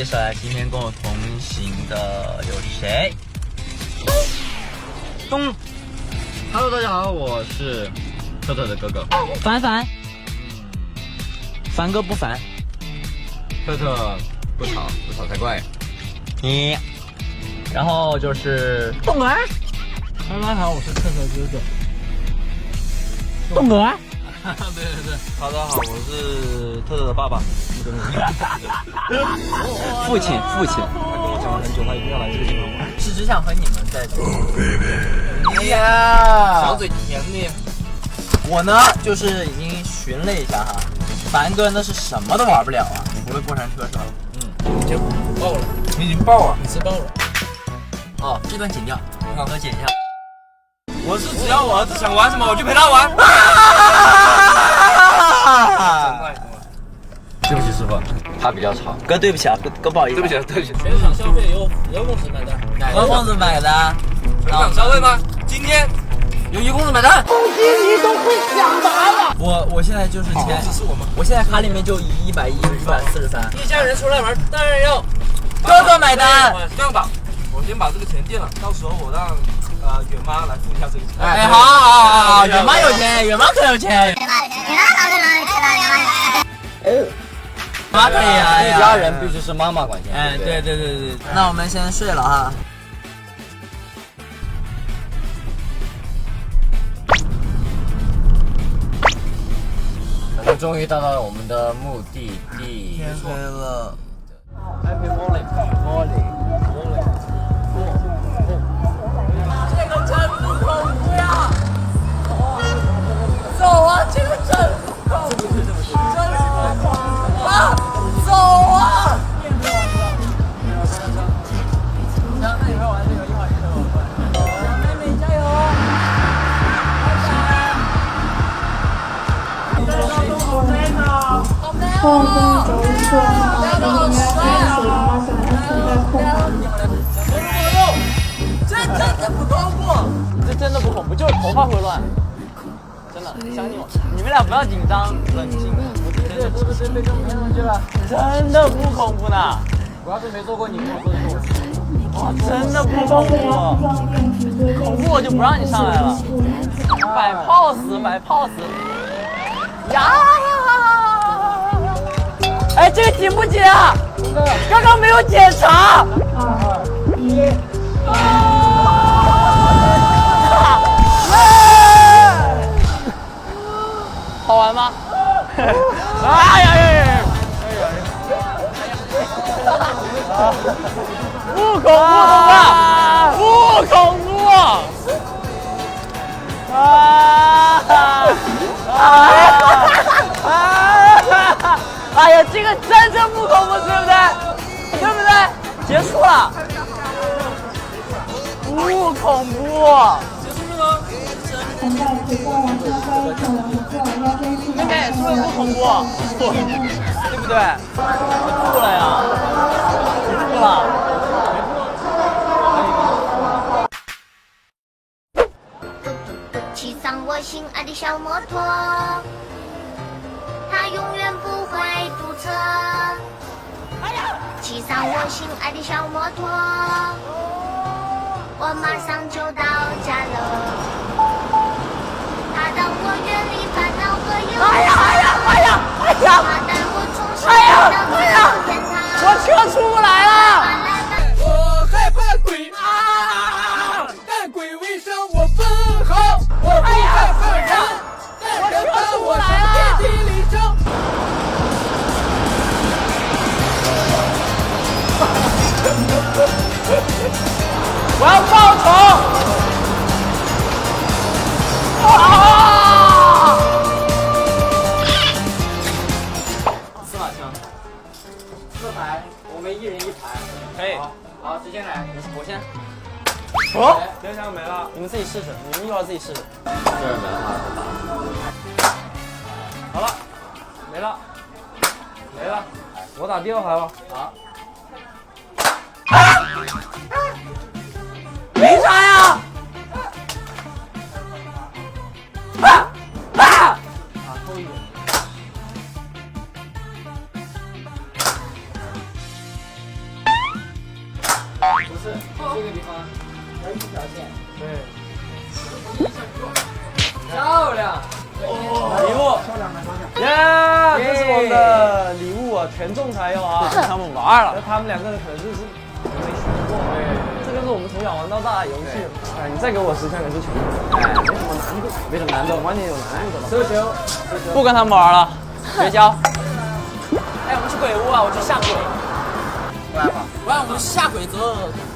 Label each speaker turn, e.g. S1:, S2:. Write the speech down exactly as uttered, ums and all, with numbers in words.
S1: 介绍一下今天跟我同行的有谁？东 ，Hello， 大家好，我是特特的哥哥
S2: 凡凡，
S1: 嗯，
S2: 凡哥不凡，
S1: 特特不吵不吵才怪。你，然后就是
S2: 栋儿，
S3: 大家好，我是特特哥哥。
S2: 栋儿，
S1: 对对对，大家好，我是特特的爸爸。
S2: 父亲父亲，
S1: 他跟我讲了很久，他一定要来这个地方玩。
S2: 是只想和你们在这里。
S1: 哎呀，
S2: 小嘴甜蜜。我呢，就是已经寻了一下哈，凡哥那是什么都玩不了啊，你不会过山车是吧？
S3: 嗯，已经爆了，
S2: 你已经爆了，
S3: 你吃爆了。
S2: 哦，这段剪掉，我好好剪一下。
S1: 我是只要我儿子想玩什么，我就陪他玩。对不起师傅，他比较吵。
S2: 哥对不起啊，哥哥不好意思。
S1: 对不起，对不起。
S3: 全场消费由由公子买单。
S2: 何公子买的。
S1: 全场消费吗？今天由于公子买单。
S4: 攻击你都会想答了。
S2: 我我现在就是钱，
S1: 只是我们。
S2: 我现在卡里面就一百一、一百四十三。
S3: 一家人出来玩，当然要
S2: 哥哥买单。
S1: 这样吧，我先把这个钱垫了，到时候我让呃远妈来付一下这个钱。
S2: 哎，好好好好好，远妈有钱，远妈可有钱。妈可以啊，
S1: 一家人必须是妈妈管钱。
S2: 哎，对对对对，那我们先睡了哈。
S3: 我们终于到了我们的目的地。
S2: 天黑了。
S3: Happy morning, morning, morning. 这个真不恐怖呀！走啊，这个真不恐怖，真不恐怖啊！走啊！行，那你们玩这个，一会儿一会儿我过来。小妹妹加油！
S5: 后跟走一说好，等你们要开始了，马上安全带扣好。
S3: 这真的不恐怖，
S2: 这真的不恐怖，就是头发会乱。真的，相信我，你们俩不要紧张，冷静。
S3: 对，是不是被这么骗上去了？
S2: 真的不恐怖呢。
S3: 我要是没做过，你跟我说一说。
S2: 哇，真的不
S5: 海
S2: 恐怖。
S5: 报会要装电梯对
S2: 恐怖我就不让你上来了。摆 pose， 摆 pose。呀！哎，这个紧不紧啊？刚刚没有检查。
S5: 二一。
S2: 好玩吗？哎呀呀呀！不恐怖，懂吧？不恐怖！啊啊啊！哎呀，这个真正不恐怖，对不对？对不对？结束了。不恐怖。
S5: 等待陪伴往上飞，可能不错，要先去
S2: 妹妹，是不是不恐怖？对不对？吐了呀！吐了。
S6: 骑上我心爱的小摩托，它永远不会堵车。骑上我心爱的小摩托，我马上就到家了。它让我远离烦恼和忧伤。
S2: 哎呀哎呀哎呀哎呀！
S6: 它带我重新
S2: 哎呀
S6: 回到
S2: 哎呀！
S6: 天堂。
S2: 我车出不来了。
S3: 我害怕鬼啊，但鬼为生我分毫。我不害怕人，但人把我上遍体鳞伤。
S2: 我要报仇！啊！司马枪，四排，我们一人一排。
S1: 可以。
S2: 好，谁先来？我先。
S1: 哦，电箱没了。
S2: 你们自己试试，你们一会儿自己试试。
S1: 这儿没了。好了，没了，没了。我打第二排吧。
S2: 好。为啥呀？啊啊！啊，偷一点。
S1: 啊，全中才有啊。
S2: 他们玩了
S1: 那。他们两个人可能就是没学过。这个是我们从小玩到大的游戏。哎，你再给我十枪也是全中。哎，没什么难度，没什么难度，完全有难度的了。射球，
S2: 不跟他们玩了，绝交。
S3: 哎，我们去鬼屋啊！我去吓鬼。
S2: 不然我们下鬼之后